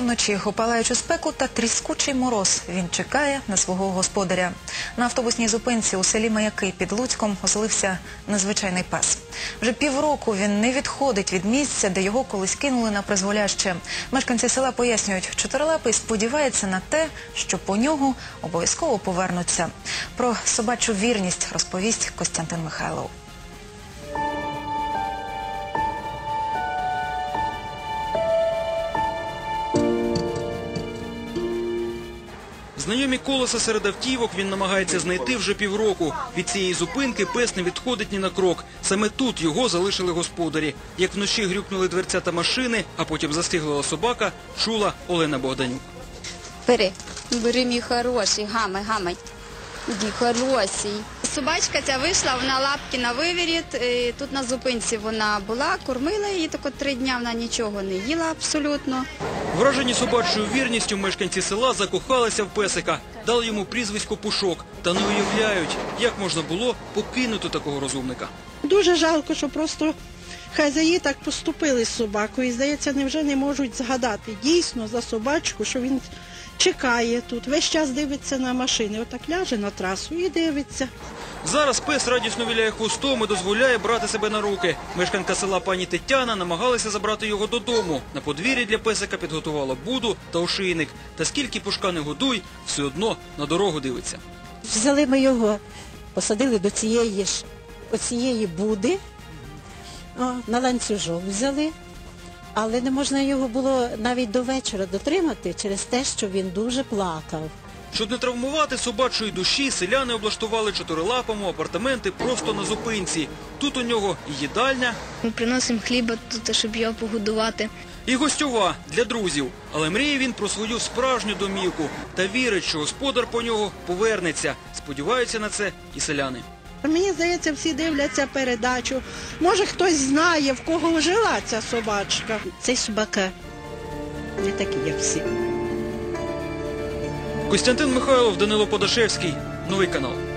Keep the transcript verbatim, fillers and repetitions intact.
вночі у палаючу спеку та тріскучий мороз він чекає на свого господаря. На автобусній зупинці у селі Маяки під Луцьком оселився незвичайний пес. Вже півроку він не відходить від місця, де його колись кинули на призволяще. Мешканці села пояснюють, чотирилапий сподівається на те, що по нього обов'язково повернуться. Про собачу вірність розповість Костянтин Михайлов. Знайомі колеса серед автівок він намагається знайти вже півроку. Від цієї зупинки пес не відходить ні на крок. Саме тут його залишили господарі. Як вночі грюкнули дверцята машини, а потім застигла собака, чула Олена Богданюк. Бери, бери, мій хороший, гамай, гамай. Мій хороший. Собачка ця вийшла, вона лапки на виворіт. Тут на зупинці вона була, кормила її, тако три дня вона нічого не їла абсолютно. Вражені собачою вірністю мешканці села закохалися в песика, дали йому прізвисько Пушок та не уявляють, як можна було покинути такого розумника. Дуже жалко, що просто хазяї так поступили з собакою. І, здається, невже не можуть згадати дійсно за собачку, що він чекає тут, весь час дивиться на машини. Отак ляже на трасу і дивиться. Зараз пес радісно віляє хвостом і дозволяє брати себе на руки. Мешканка села пані Тетяна намагалася забрати його додому. На подвір'ї для песика підготувала буду та ошийник. Та скільки Пушка не годуй, все одно на дорогу дивиться. Взяли ми його, посадили до цієї ж, оцієї буди, о, на ланцюжок взяли. Але не можна його було навіть до вечора дотримати через те, що він дуже плакав. Щоб не травмувати собачої душі, селяни облаштували чотирилапому апартаменти просто на зупинці. Тут у нього і їдальня, ми приносимо хліба тут, щоб його погодувати. І гостьова для друзів. Але мріє він про свою справжню домівку та вірить, що господар по нього повернеться. Сподіваються на це і селяни. Мені здається, всі дивляться передачу. Може, хтось знає, в кого жила ця собачка. Цей собака не такий, як всі. Костянтин Михайлов, Данило Подашевський. Новий канал.